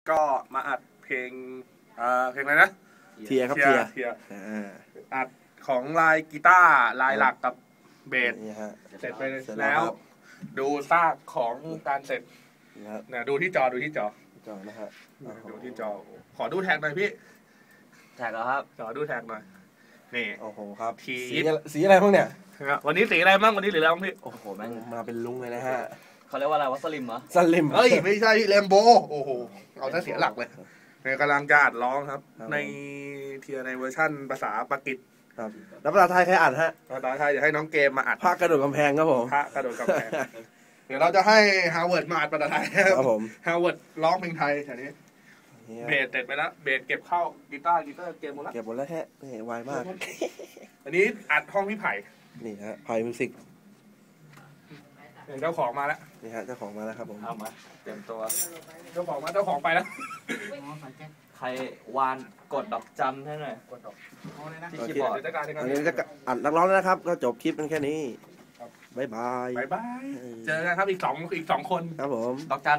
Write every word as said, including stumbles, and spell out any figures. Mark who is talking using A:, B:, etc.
A: ก็มาอัดเพลงอ่าเพลงอะไรนะ
B: เทียครับเทีย
A: เทีย
B: อ่า
A: อัดของลายกีตาร์ลายหลักกับเบสเสร็จไปแล้วดูซากของการเสร็จนะดูที่จอดูที่จอ
B: จอนะฮะ
A: ดูที่จอขอดูแท็กหน่อยพี่
C: แท็กเหรอครับ
A: ขอดูแท็กหน่อยนี่
B: โอ้โหครับ
A: สี
B: สีอะไรบ้างเนี่ย
A: วันนี้สีอะไรบ้างวันนี้หรืออะไรบ้างพี่
C: โอ้โหแม่ง
B: มาเป็นลุงเลยนะฮะ
C: เขาเรียกว่าอะไรวะสลิมเหรอ
B: สลิม
A: เฮ้ยไม่ใช่แลมโบโอ้โหเอาซะเสียหลักเลยเนี่ยกำลังจะอัดร้องครับในเทียในเวอร์ชั่นภาษาปากีส
B: ครับแล้วภาษาไทยใครอัดฮะ
A: ภาษาไทยจะให้น้องเกมมาอัด
B: พระกระโดดกำแพงครับผม
A: พระกระโดดกำแพงเดี๋ยวเราจะให้ฮาวเวิร์ดมาอัดภาษาไทย
B: ครับผม
A: ฮาวเวิร์ดร้องเพลงไทยแถวนี้เบสเสร็จไปแล้วเบสเก็บเข้ากีตาร์กีตาร์เกมหมดแล้ว
B: เก็บหมดแล้วแฮะนี่ไวมาก
A: อันนี้อัดห้องพี่ไผ่
B: นี่ฮะไผ่มิวสิก
A: เจ้าของมาแล้ว
B: นี่ฮะเจ้าของมาแล้วครับผม
C: เอามาเตรียมตัว
A: เจ้าของมาเจ้าของไปแล้ว
C: ใครวานกดดอกจำให้หน่อย
A: กดดอก
C: ที่คีย์บอร์ด
B: อันนี้จะอัดนักร้องแล้วนะครับก็จบคลิปเป็นแค่นี้บ๊ายบาย
A: บ๊ายบายเจอกันครับอีกสองอีกสองคน
B: ครับผม
C: ดอกจัน